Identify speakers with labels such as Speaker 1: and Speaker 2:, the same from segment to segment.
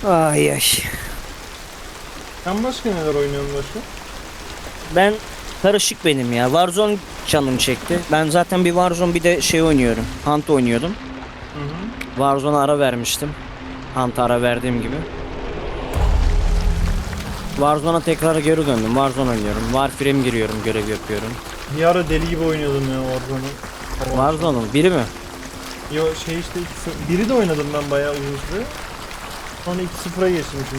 Speaker 1: Ay ay.
Speaker 2: Sen başka neler oynuyorsun başka?
Speaker 1: Ben karışık benim ya. Warzone canım çekti. Ben zaten bir Warzone bir de şey oynuyorum. Hunt oynuyordum.
Speaker 2: Hı hı.
Speaker 1: Warzone'a ara vermiştim. Hunt'a ara verdiğim gibi. Warzone'a tekrar geri döndüm. Warzone oynuyorum. Warframe'e giriyorum, görev yapıyorum.
Speaker 2: Bir ara deli gibi oynuyordum ya Warzone'u.
Speaker 1: Warzone'un biri mi?
Speaker 2: Yo şey işte biri de oynadım ben bayağı uzun süre. Sonra 2-0'a geçtim şimdi.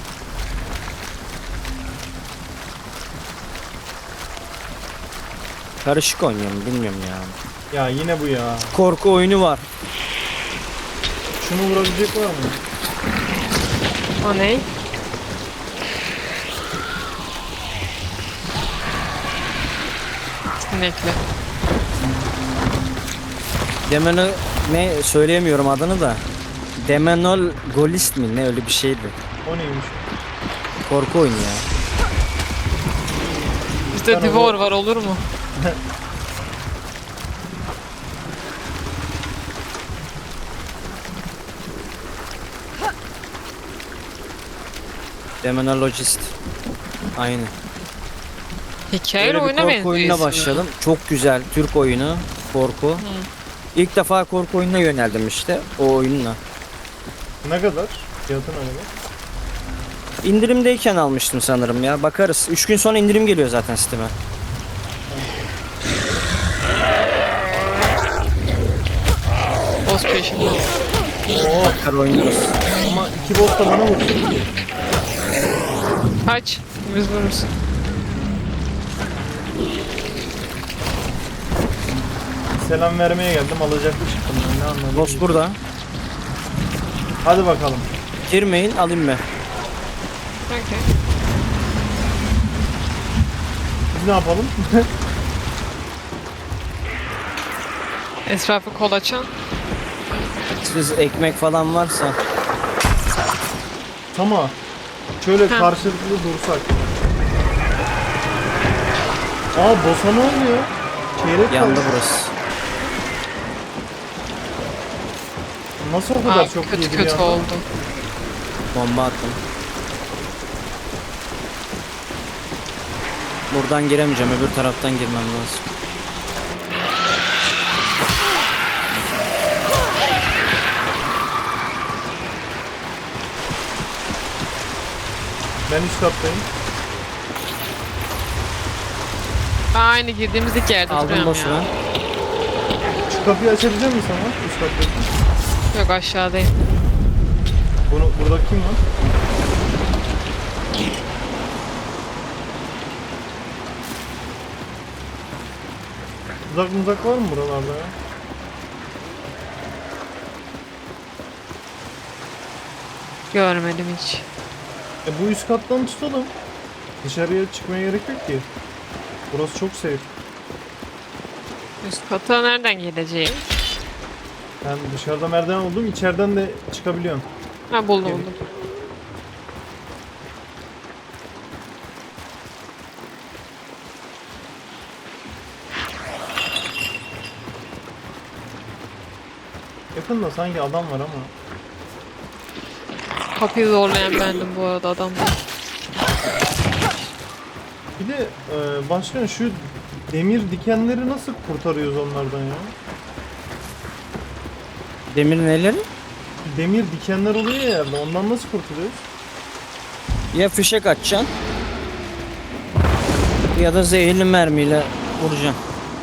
Speaker 1: Karışık oynuyorum, bilmiyorum ya.
Speaker 2: Ya yine bu ya.
Speaker 1: Korku oyunu var.
Speaker 2: Şunu vurabilecek var mı?
Speaker 3: O ne? Sinekli.
Speaker 1: Demenol ne söyleyemiyorum adını da. Demenol Golist mi ne öyle bir şeydi.
Speaker 2: O neymiş?
Speaker 1: Korku oyunu ya.
Speaker 3: Bizde
Speaker 2: Ben
Speaker 3: Divor
Speaker 2: onu-
Speaker 3: var, olur mu?
Speaker 1: Demonologist. Aynı.
Speaker 3: Hikayeli
Speaker 1: Böyle bir
Speaker 3: oyuna
Speaker 1: korku
Speaker 3: benziyor
Speaker 1: oyununa
Speaker 3: ismi.
Speaker 1: başladım. Çok güzel. Türk oyunu. Korku. İlk defa korku oyununa yöneldim işte. O oyunla.
Speaker 2: Ne kadar? Fiyatı ne kadar?
Speaker 1: İndirimdeyken almıştım sanırım ya. Bakarız. 3 gün sonra indirim geliyor zaten Steam'e.
Speaker 3: Boss peşinde.
Speaker 2: Oo
Speaker 1: Bakar oynarız.
Speaker 2: ama 2 boss da bana vursun ki.
Speaker 3: Kaç. Biz vururuz.
Speaker 2: Selam vermeye geldim alacaklı çıktım ben ne anladım.
Speaker 1: Boss burada.
Speaker 2: Hadi bakalım.
Speaker 1: Girmeyin alayım ben.
Speaker 3: Okey.
Speaker 2: Biz ne yapalım?
Speaker 3: Etrafı kolaçan.
Speaker 1: Siz ekmek falan varsa.
Speaker 2: Tamam. Şöyle
Speaker 3: Ha.
Speaker 2: karşılıklı dursak. Aa boss'a ne oluyor? Çeyrek
Speaker 1: Yandı
Speaker 2: kaldı.
Speaker 1: burası.
Speaker 2: Nasıl o kadar
Speaker 3: Aa,
Speaker 2: çok
Speaker 3: kötü
Speaker 2: yedi
Speaker 3: kötü
Speaker 2: bir anda?
Speaker 3: oldu.
Speaker 1: Bomba attım. Buradan giremeyeceğim. Öbür taraftan girmem lazım.
Speaker 2: Ben üst kattayım.
Speaker 3: Aynı girdiğimiz ilk yerde
Speaker 1: Aldım
Speaker 3: duruyorum
Speaker 1: boss'u
Speaker 3: ya.
Speaker 1: ben.
Speaker 2: Şu kapıyı açabilecek misin sana? Üst kattayım.
Speaker 3: Yok, aşağıdayım.
Speaker 2: Burada kim var? Uzak var mı buralarda ya?
Speaker 3: Görmedim hiç.
Speaker 2: Bu üst kattan tutalım. Dışarıya çıkmaya gerek yok ki. Burası çok safe.
Speaker 3: Üst kata nereden geleceğim?
Speaker 2: Ben dışarıda merdiven oldum, içeriden de çıkabiliyorum.
Speaker 3: Ha, buldum
Speaker 2: Gel.
Speaker 3: buldum.
Speaker 2: Yakında sanki adam var ama.
Speaker 3: Kapıyı zorlayan bendim bu arada, adam değil.
Speaker 2: Bir de başkan şu demir dikenleri nasıl kurtarıyoruz onlardan ya?
Speaker 1: Demir neleri?
Speaker 2: Demir dikenler oluyor ya yerde, ondan nasıl kurtuluyoruz?
Speaker 1: Ya fişek atacaksın. Ya da zehirli mermiyle vuracaksın.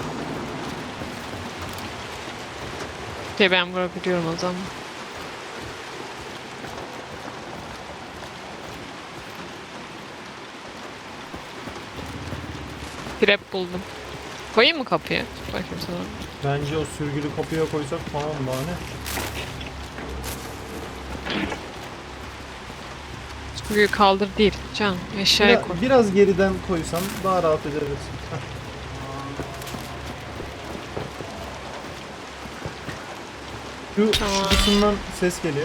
Speaker 3: Ben vurabiliyorum o zaman. Trap buldum. Koyayım mı kapıya? Bakayım sana.
Speaker 2: Bence o sürgülü kapıya koysak tamam daha ne?
Speaker 3: Büyük kaldır değil. Can eşyaya koy.
Speaker 2: Biraz geriden koysan daha rahat ederiz. Heh. Şu
Speaker 3: Tamam.
Speaker 2: kısımdan ses geliyor.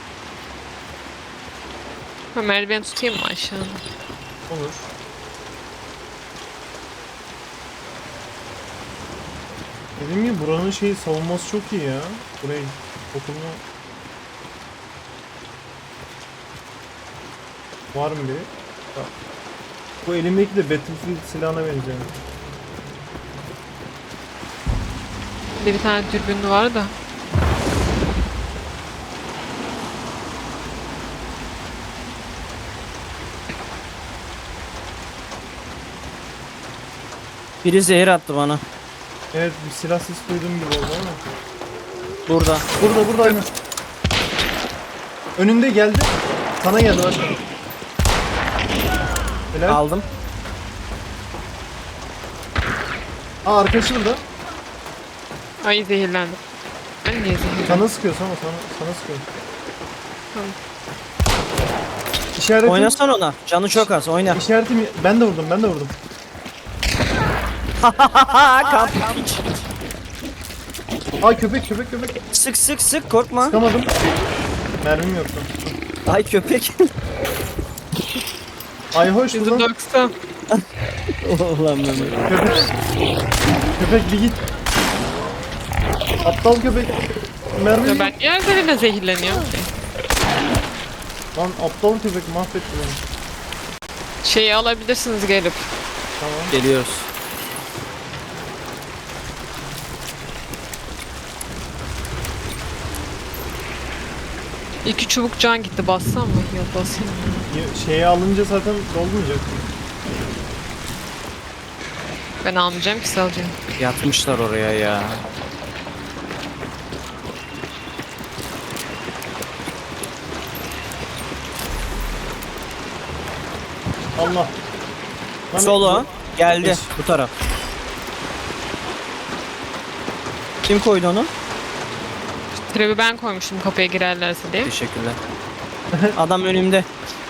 Speaker 3: Ha, merdiven tutayım mı aşağıda?
Speaker 2: Olur. Dediğim gibi buranın savunması çok iyi ya. Burayı okulunu Var mı biri? Ya. Bu elimdeki de Battlefield silahına benziyor.
Speaker 3: Bir tane dürbün var da.
Speaker 1: Biri zehir attı bana.
Speaker 2: Evet, bir silah sesi duyduğum gibi oldu ama.
Speaker 1: Burada.
Speaker 2: Burada aynen. Önünde geldi. Sana geldi bak. Helal.
Speaker 1: Aldım.
Speaker 2: Aa, arkadaşı burada.
Speaker 3: Ay zehirlendim. Ben niye zehirlendim?
Speaker 2: Sana sıkıyor sana sıkıyor.
Speaker 3: Tamam.
Speaker 2: İşaretim.
Speaker 1: Oynasana ona. Canı çok az. Oyna.
Speaker 2: İşaretim. Ben de vurdum.
Speaker 1: Kamp.
Speaker 2: Aa, köpek.
Speaker 1: Sık korkma.
Speaker 2: Sıkamadım. Mermim yoktu.
Speaker 1: Ay köpek.
Speaker 2: Ay hoş lan.
Speaker 3: 190.
Speaker 1: Ulan Mehmet.
Speaker 2: Köpek bir git. Aptal köpek. Mermim
Speaker 3: Ya
Speaker 2: yok.
Speaker 3: ben niye her seferinde zehirleniyorum ki?
Speaker 2: Lan aptal köpek mahvetti beni.
Speaker 3: Şeyi alabilirsiniz gelip.
Speaker 2: Tamam.
Speaker 1: Geliyoruz.
Speaker 3: İki çubuk can gitti. Bassam mı? Yok basayım.
Speaker 2: Şeyi alınca zaten dolmayacak.
Speaker 3: Ben almayacağım ki salacağım.
Speaker 1: Yatmışlar oraya ya.
Speaker 2: Allah. Lan
Speaker 1: Solo geldi
Speaker 2: Eş.
Speaker 1: bu taraf. Kim koydu onu?
Speaker 3: Trevi ben koymuştum kapıya girerlerse diye.
Speaker 1: Teşekkürler. Adam önümde.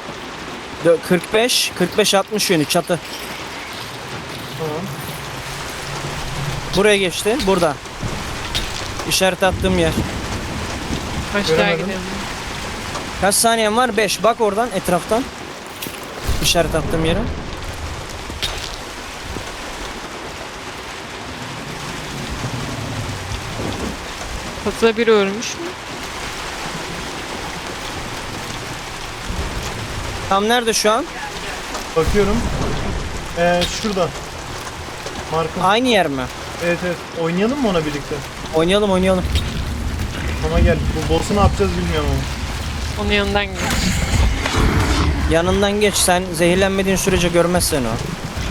Speaker 1: 45-60 yönü çatı.
Speaker 2: Tamam.
Speaker 1: Buraya geçti. Burada. İşaret attığım yer.
Speaker 3: Aşağı
Speaker 2: Göremedim.
Speaker 3: gidelim.
Speaker 1: Kaç saniyen var? 5. Bak oradan etraftan. İşaret attığım yere.
Speaker 3: Çatıda biri ölmüş mü?
Speaker 1: Tam nerede şu an?
Speaker 2: Bakıyorum. Şurada. Markım.
Speaker 1: Aynı yer mi?
Speaker 2: Evet. Oynayalım mı ona birlikte?
Speaker 1: Oynayalım.
Speaker 2: Ama gel. Bu boss'u ne yapacağız bilmiyorum ama.
Speaker 3: Onun yanından gidiyor.
Speaker 1: Yanından geç. Sen zehirlenmediğin sürece görmez seni o.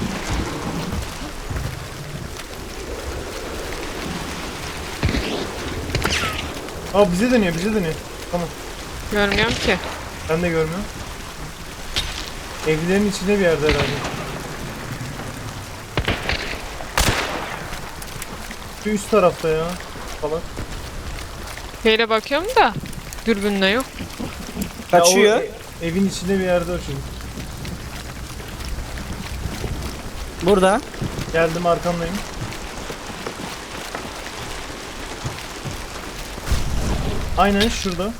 Speaker 2: Aa, bize dönüyor. Tamam.
Speaker 3: Görmüyorum ki.
Speaker 2: Ben de görmüyorum. Evlerin içinde bir yerde herhalde. Şu üst tarafta ya. Falan.
Speaker 3: Şeyle bakıyorum da dürbünle yok.
Speaker 1: Kaçıyor.
Speaker 2: Ya o evin içinde bir yerde o çocuk.
Speaker 1: Burada.
Speaker 2: Geldim, arkamdayım. Aynen şurada.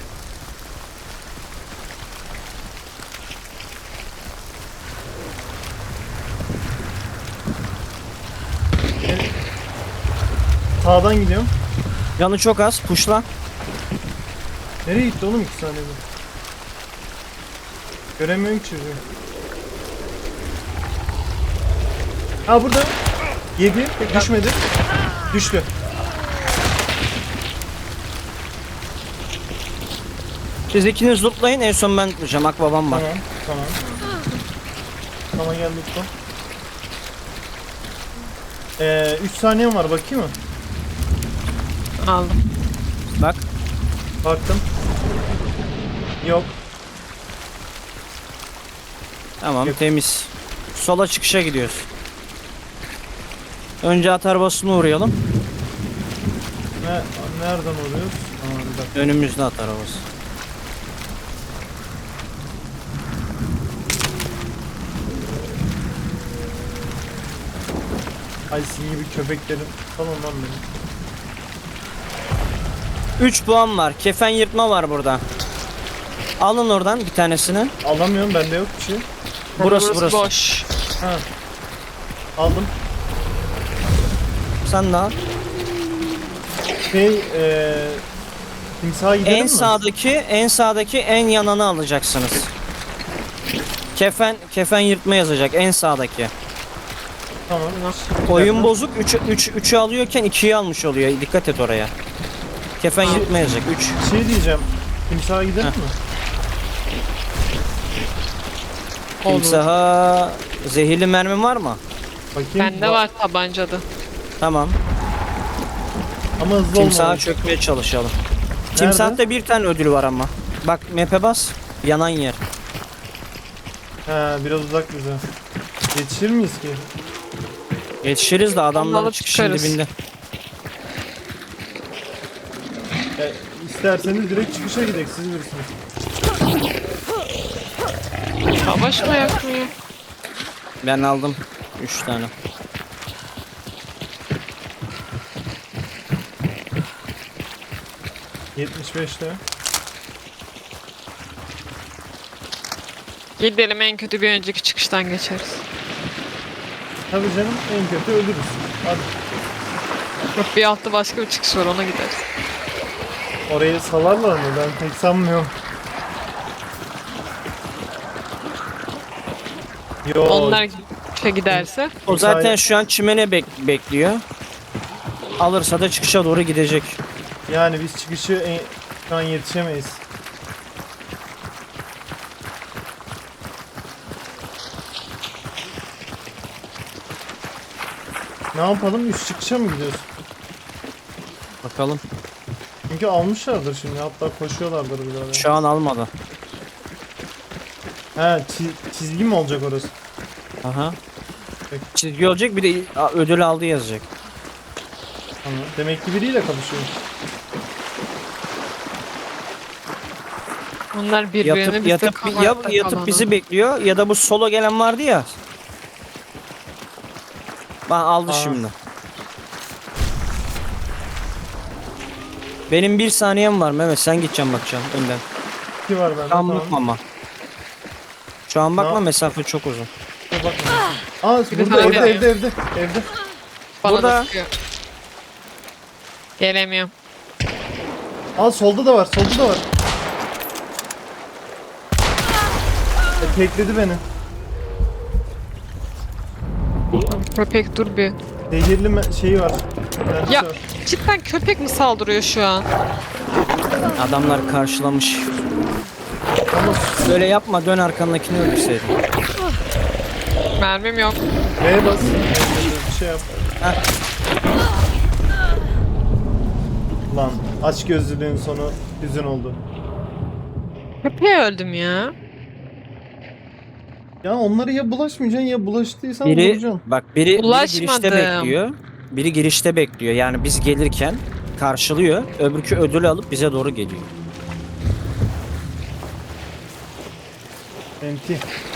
Speaker 2: Sağdan gidiyorum.
Speaker 1: Canı çok az. Puşla.
Speaker 2: Nereye gitti oğlum 2 saniyede? Göremiyorum ki çocuğu. Ha, burada. 7. Düşmedi. Düştü.
Speaker 1: Siz ikiniz lootlayın. En son ben tutacağım. Akbabam var.
Speaker 2: Tamam. Tamam, gel lütfen. 3 saniyem var, bakayım mı?
Speaker 3: Aldım.
Speaker 1: Bak.
Speaker 2: Baktım. Yok.
Speaker 1: Tamam
Speaker 2: Yok.
Speaker 1: temiz. Sola çıkışa gidiyoruz. Önce at arabasına uğrayalım.
Speaker 2: Nereden oluyoruz? Bir dakika.
Speaker 1: Önümüzde at arabası.
Speaker 2: Ay, sizin gibi köpeklerim. Tamam lan benim.
Speaker 1: 3 puan var. Kefen yırtma var burada. Alın oradan bir tanesini.
Speaker 2: Alamıyorum, bende yok bir şey.
Speaker 1: Burası.
Speaker 3: Boş.
Speaker 2: Ha. Aldım.
Speaker 1: Sen de al.
Speaker 2: Timsaha gidelim
Speaker 1: En
Speaker 2: mi?
Speaker 1: sağdaki en yananı alacaksınız. Kefen yırtma yazacak en sağdaki.
Speaker 2: Tamam.
Speaker 1: Oyun bozuk 3'ü alıyorken 2'yi almış oluyor. Dikkat et oraya. Kefen yırtma yazacak 3.
Speaker 2: Şey diyeceğim. Timsaha gidelim mi?
Speaker 3: Olur.
Speaker 1: Timsaha zehirli mermi var mı?
Speaker 2: Bakayım.
Speaker 3: Bende var tabancada.
Speaker 1: Tamam.
Speaker 2: Ama hızlı
Speaker 1: Timsaha
Speaker 2: olmalı.
Speaker 1: çökmeye çalışalım. Timsahta bir tane ödül var ama. Bak map'e bas. Yanan yer.
Speaker 2: He biraz uzak bize. Yetişir miyiz ki?
Speaker 1: Yetişiriz de adamlar
Speaker 3: alıp
Speaker 1: çıkışın
Speaker 3: çıkarız.
Speaker 1: dibinde.
Speaker 2: Ya, isterseniz direkt çıkışa gidelim siz bilirsiniz.
Speaker 3: Savaş mı yakmıyor?
Speaker 1: Ben aldım 3 tane.
Speaker 2: ...75'te.
Speaker 3: Gidelim en kötü bir önceki çıkıştan geçeriz.
Speaker 2: Tabii canım en kötü ölürüz. Hadi
Speaker 3: Yok bir altta başka bir çıkış var ona gideriz.
Speaker 2: orayı salarlar mı? Ben pek sanmıyorum. Yo,
Speaker 3: Onlar giderse.
Speaker 1: O zaten şu an çimene bekliyor. Alırsa da çıkışa doğru gidecek.
Speaker 2: yani biz çıkışı şu an yetişemeyiz. Ne yapalım? Üst çıkışa mı gidiyoruz?
Speaker 1: Bakalım.
Speaker 2: Çünkü almışlardır şimdi. Hatta koşuyorlardır bir daha.
Speaker 1: Şu an almadı.
Speaker 2: He çizgi mi olacak orası?
Speaker 1: Aha.
Speaker 2: Peki.
Speaker 1: Çizgi olacak bir de ödül aldı yazacak.
Speaker 2: Tamam. Demek ki biriyle kapışıyor.
Speaker 3: Onlar birbirini
Speaker 1: Yatıp bizi bekliyor ya da bu solo gelen vardı ya. Bak aldı
Speaker 2: Aa.
Speaker 1: şimdi. Benim 1 saniyem var Mehmet, sen gideceksin bakacaksın önden.
Speaker 2: 2 var bende.
Speaker 1: Şu an
Speaker 2: Tamam.
Speaker 1: bakma ama. Şu an bakma,
Speaker 2: Ne-
Speaker 1: mesafe çok uzun.
Speaker 2: Bakma. Aa
Speaker 3: Bir
Speaker 2: burada
Speaker 3: tane
Speaker 2: evde.
Speaker 3: Bana
Speaker 1: Burada.
Speaker 3: da sıkıyor. Gelemiyorum.
Speaker 2: Aa solda da var. Tekledi beni.
Speaker 3: Köpek dur bir.
Speaker 2: Zehirli şeyi var. Kendisi
Speaker 3: Ya
Speaker 2: var.
Speaker 3: cidden köpek mi saldırıyor şu an?
Speaker 1: Adamlar karşılamış.
Speaker 2: Ama
Speaker 1: Böyle yapma, dön arkandakini öldürseydin.
Speaker 3: Mermim yok.
Speaker 2: V'ye bas. Bir şey yap.
Speaker 1: Heh.
Speaker 2: Lan aç gözlülüğün sonu hüzün oldu.
Speaker 3: Köpeğe öldüm ya.
Speaker 2: Ya onları ya bulaşmayacaksın ya bulaştıysan
Speaker 1: Biri
Speaker 2: vuracaksın.
Speaker 1: biri girişte
Speaker 3: Ulaşmadım.
Speaker 1: bekliyor. Biri girişte bekliyor. Yani biz gelirken karşılıyor. Öbürkü ödülü alıp bize doğru geliyor.
Speaker 2: Enti.